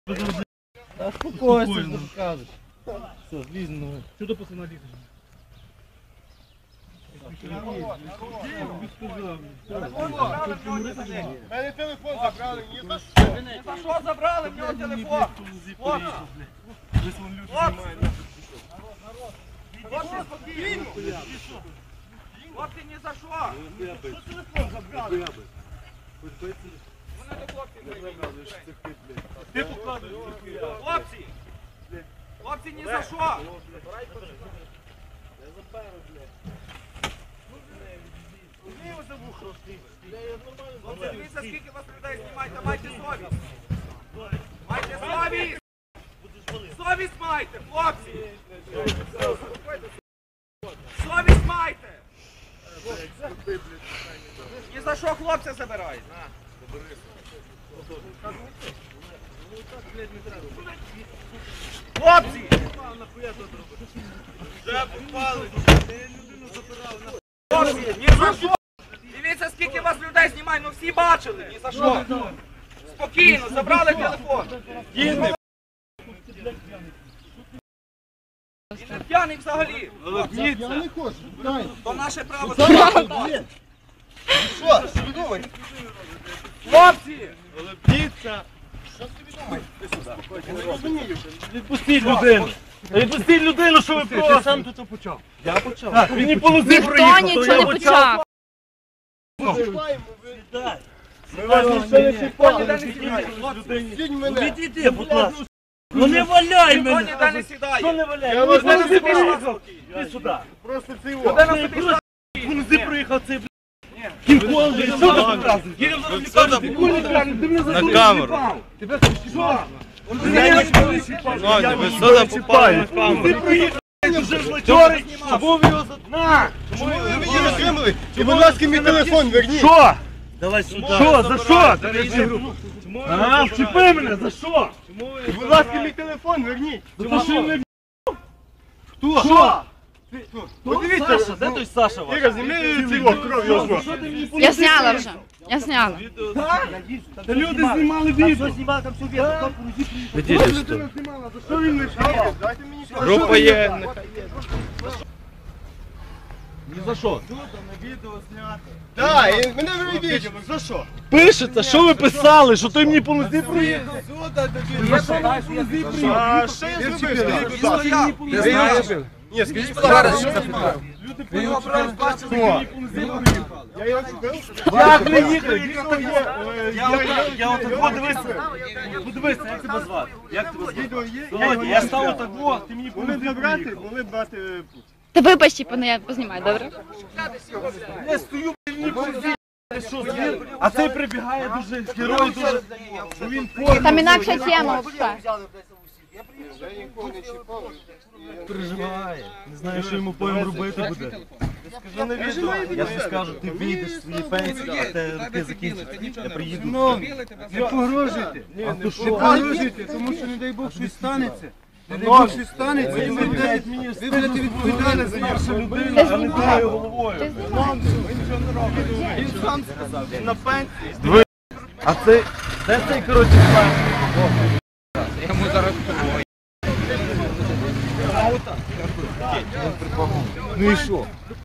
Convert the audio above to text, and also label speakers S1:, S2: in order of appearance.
S1: Та спокойся, що ти кажеш. Все, злізь на ноги.
S2: Що до пацана лізеш?
S3: Мене телефон забрали, ні за що.
S4: За що забрали в нього телефон? Хлопці, спокійно. Хлопці, ні за що. Що телефон забрали? Вони до хлопців прийдуть.
S3: Ти покладуєш.
S4: Хлопці! Хлопці, ні за що! Хлопці, дивіться, скільки вас людей знімаєте, майте совість! Майте совість! Совість майте, хлопці! Совість майте! Ні за що хлопця забирають! Хлопці! Хлопці, ні за що! Дивіться, скільки вас людей знімає, ну всі бачили, ні за що! Спокійно, забрали телефон! Він не п'яний взагалі!
S3: Я не хочу, дай.
S4: То наше право!
S3: Що? Що ви думаєте?
S4: Хлопці!
S3: Лебніться.
S1: Відпустіть людину. Відпустіть людину, що ви просите. Ти сам тут почав.
S3: Я почав.
S1: Він не полози
S5: Ніхто
S1: проїхав,
S5: нічого
S1: то я
S5: не
S1: почав.
S5: почав.
S3: Почуваємо, ви.
S1: Ми вас ніхто не чіпали.
S3: Сідь мене.
S1: Відійди, будь ласка. Ну не валяй
S4: Ніхто
S1: мене.
S4: ніде не сідає!
S1: Що не валяй?
S3: Я вас не
S1: полози
S3: забираю.
S1: проїхав. Іди сюди.
S3: Просто це його.
S4: Людина собі що?
S1: Полози проїхав цей, блядь. Кінг-Конг, що ти показуєш? Їдемо зараз лікарню. Ти кажеш, ти мене за камеру. Тебе що?
S3: Ви що там попали?
S1: Ти проїхав, вже злочорий, був його за... На!
S3: Чому ви мені розтримали? І, будь ласка, мій телефон верніть.
S1: Що? Давай сюди. Що? За що? А, вчепи мене, за що?
S3: І, будь ласка, мій телефон верніть.
S1: За те, що він не...
S3: Хто?
S1: Що?
S3: Подивіться.
S1: Саша, де той Саша ваш?
S3: Іра, зніми цього кров його.
S5: Я зняла вже. Я зняла.
S1: Та люди знімали відео.
S3: Людина знімала, за що він не шарить? Дайте мені шарить.
S2: Група є.
S1: Ні за що?
S3: Так, і мене вивідіть. За що?
S1: Пишеться, що ви писали, що той мені по нозі проїхав?
S3: А що я зробив? Скажіть, будь ласка.
S4: Я знаю.
S3: Ні, скажіть, будь ласка, що я зробив?
S1: Люди його просто бачили, що мені по нозі проїхав.
S3: Я його зробив?
S1: Як не їхав? Відео є. Я отак, подивися. Подивися, як тебе звати? Як тебе звати?
S3: Відео є?
S1: Володя, я став отак, ти мені по
S3: Були
S1: нозі
S3: б брати,
S1: проїхав.
S3: були б брати.
S5: Та вибач, типу, я познімаю, добре?
S1: Я стою, мені по нозі. А цей прибігає дуже, герой дуже. Він
S5: Там інакша тема взагалі.
S3: Я нікого не чіпав.
S1: переживає. Не знаю, що йому потім робити буде. Скажи на відео, я тобі скажу, ти вийдеш з своєї пенсії, а те роки закінчаться. Я приїду.
S3: Не погрожуйте.
S1: А то
S3: Не погрожуйте, тому що не дай Бог щось станеться. Не дай Бог щось станеться, і ви будете відповідальні за нього.
S1: Перша людина, а не думаю головою.
S3: Він сам сказав, він на пенсії.
S1: А це, де цей, коротше, Ну і що?